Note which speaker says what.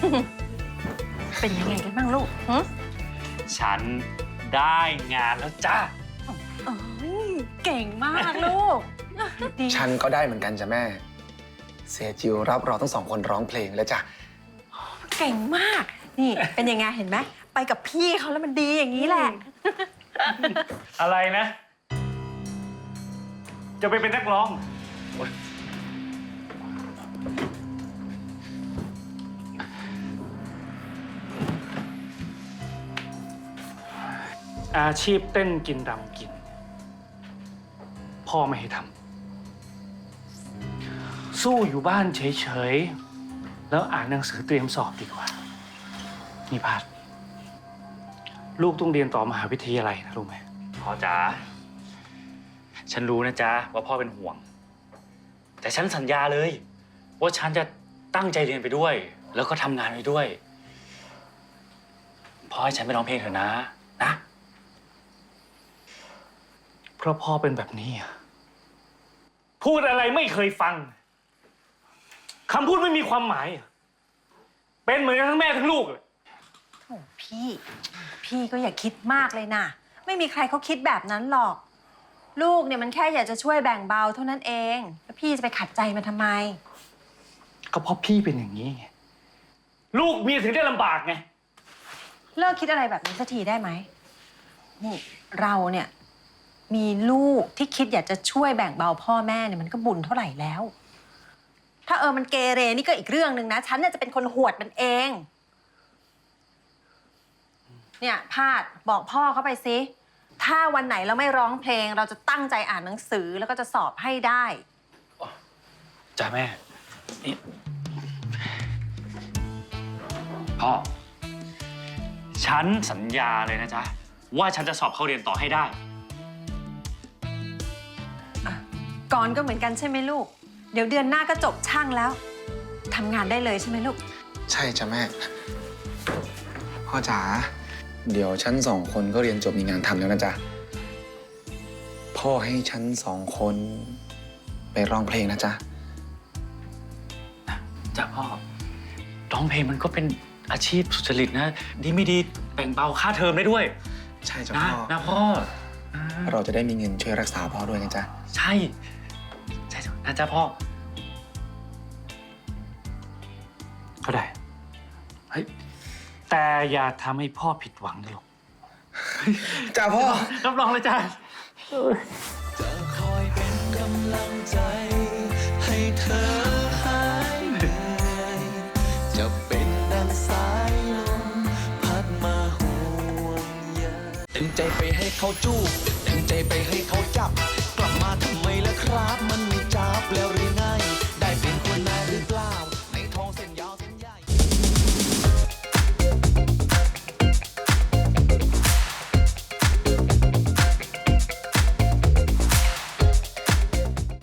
Speaker 1: เป็นยังไงกันบ้างลูก
Speaker 2: ฉันได้งานแล้วจ้า
Speaker 1: เก่งมากลูก
Speaker 3: ฉันก็ได้เหมือนกันจ้ะแม่เสียจิวรับเราทั้ง2 คนร้องเพลงแล้วจ้ะ
Speaker 1: เก่งมากนี่เป็นยังไงเห็นไหมไปกับพี่เขาแล้วมันดีอย่างนี้แหละ
Speaker 2: อะไรนะ จะไปเป็นนักร้องอาชีพเต้นกินรำกินพ่อไม่ให้ทำสู้อยู่บ้านเฉยๆแล้วอ่านหนังสือเตรียมสอบดีกว่านี่พาดลูกต้องเรียนต่อมหาวิทยาลัยนะรู้ไหมพ่อจ๋าฉันรู้นะจ๊ะว่าพ่อเป็นห่วงแต่ฉันสัญญาเลยว่าฉันจะตั้งใจเรียนไปด้วยแล้วก็ทำงานไปด้วยพ่อให้ฉันไปร้องเพลงเถอะนะเพราะพ่อเป็นแบบนี้พูดอะไรไม่เคยฟังคำพูดไม่มีความหมายเป็นเหมือนกันทั้งแม่ทั้งลูกเลย
Speaker 1: โอ้พี่ก็อย่าคิดมากเลยนะไม่มีใครเขาคิดแบบนั้นหรอกลูกเนี่ยมันแค่อยากจะช่วยแบ่งเบาเท่านั้นเองแล้วพี่จะไปขัดใจมันทำไม
Speaker 2: ก็เพราะพี่เป็นอย่างนี้ไงลูกเมียถึงได้ลำบากไง
Speaker 1: เลิกคิดอะไรแบบนี้สักทีได้ไหมนี่เราเนี่ยมีลูกที่คิดอยากจะช่วยแบ่งเบาพ่อแม่เนี่ยมันก็บุญเท่าไหร่แล้วถ้ามันเกเรนี่ก็อีกเรื่องหนึ่งนะฉันเนี่ยจะเป็นคนหวดมันเองเนี่ยพาดบอกพ่อเขาไปสิถ้าวันไหนเราไม่ร้องเพลงเราจะตั้งใจอ่านหนังสือแล้วก็จะสอบให้ได้
Speaker 2: จ้าแม่นี่พ่อฉันสัญญาเลยนะจ๊ะว่าฉันจะสอบเข้าเรียนต่อให้ได้
Speaker 1: ก่อนก็เหมือนกันใช่ไหมลูกเดี๋ยวเดือนหน้าก็จบช่างแล้วทำงานได้เลยใช่ไหมลูก
Speaker 3: ใช่จ้ะแม่พ่อจ๋าเดี๋ยวฉัน2 คนก็เรียนจบมีงานทำแล้วนะจ๊ะพ่อให้ฉัน2 คนไปร้องเพลงนะจ๊ะ
Speaker 2: จ้ะพ่อร้องเพลงมันก็เป็นอาชีพสุจริตนะดีไม่ดีแบ่งเบาค่าเทอมได้ด้วย
Speaker 3: ใช่จ้ะพ่อ
Speaker 2: นะพ่อ
Speaker 3: เราจะได้มีเงินช่วยรักษาพ่อด้วยนะจ๊ะ
Speaker 2: ใช่นะจ๊ะพ่อก็ได้เฮ้ยแต่อย่าทำให้พ่อผิดหวังนะลูก
Speaker 3: จ้าพ่อ
Speaker 2: รับรองเลยจ้า
Speaker 4: จะคอยเป็นกำลังใจให้เธอหายเหนื่อยจะเป็นดังสายลมพัดมาห่วงใยเต็มใจไปให้เขาจูบเต็มใจไปให้เขาจับกลับมาทำไมล่ะครับมันไม่จับแล้วหรือ